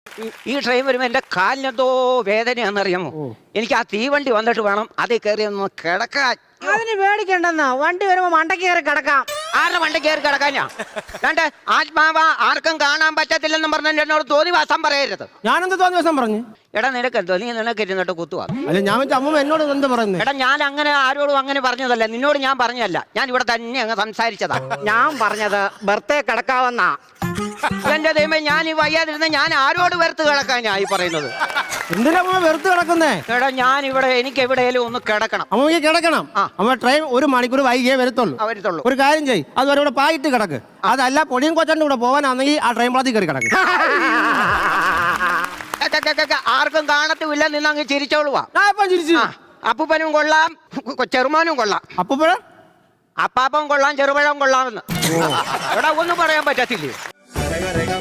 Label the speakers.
Speaker 1: ഈ ട്രെയിൻ വരുമ്പോൾ എൻ്റെ കാലിനെന്തോ വേദനയാണെന്നറിയാമോ? എനിക്ക് ആ തീവണ്ടി വന്നിട്ട് വേണം അതിൽ കയറി ഒന്ന് കിടക്കാൻ.
Speaker 2: അതിന് പേടിക്കണ്ടെന്നാ, വണ്ടി വരുമ്പോ മണ്ടയ്ക്ക് കയറി കിടക്കാം.
Speaker 1: ആരുടെ വണ്ടി കയറി കിടക്കാനാ? രണ്ട് ആത്മാവ ആർക്കും കാണാൻ പറ്റത്തില്ലെന്നും പറഞ്ഞ എന്നോട് തോന്നിവാസം പറയരുത്.
Speaker 3: ഞാനെന്ത് തോന്നിവാസം പറഞ്ഞു?
Speaker 1: എടാ നിനക്കെന്തോ, നീ നിനക്ക് ഇരുന്നിട്ട് കുത്തുവാ.
Speaker 3: അല്ല ഞാൻ അമ്മ എന്നോട് എന്താ പറയുന്നത്?
Speaker 1: എടാ ഞാൻ അങ്ങനെ ആരോടും അങ്ങനെ പറഞ്ഞതല്ല, നിന്നോട് ഞാൻ പറഞ്ഞല്ല, ഞാൻ ഇവിടെ തന്നെ അങ്ങ് സംസാരിച്ചതാ. ഞാൻ പറഞ്ഞത് ബർത്തേ കിടക്കാവെന്നാ. എന്റെ ദൈവമേ, ഞാൻ ഈ വയ്യാതിരുന്ന ഞാൻ ആരോട് വെറുത്ത് കിടക്കാനായി പറയുന്നത്?
Speaker 3: എന്തിനാ അമ്മ വെറുത്ത് കിടക്കുന്നേ?
Speaker 1: എടാ ഞാൻ ഇവിടെ എനിക്ക് എവിടെയെങ്കിലും ഒന്ന് കിടക്കണം.
Speaker 3: അമ്മയ്ക്ക് കിടക്കണം. അമ്മ ട്രെയിൻ 1 മണിക്കൂർ വൈകിയേ വരത്തുള്ളൂ. ഒരു കാര്യം ചെയ്യ്, അതുവരെ ഇവിടെ പായിട്ട് കിടക്ക്. അതല്ല പൊടിയും കൊച്ചന്റെ കൂടെ പോകാനാണെങ്കിൽ ആ ട്രെയിൻ പാളത്തിൽ കയറി കിടക്ക്.
Speaker 1: ആർക്കും കാണത്തുമില്ല, നിന്ന് അങ്ങ് ചിരിച്ചോളുവാ.
Speaker 3: ചിരിച്ചു.
Speaker 1: അപ്പൂപ്പനും കൊള്ളാം, ചെറുമാനും കൊള്ളാം.
Speaker 3: അപ്പൂപ്പഴ
Speaker 1: അപ്പാപ്പൻ കൊള്ളാം, ചെറുപഴം കൊള്ളാമെന്ന് ഇവിടെ ഒന്നും പറയാൻ പറ്റത്തില്ലേ?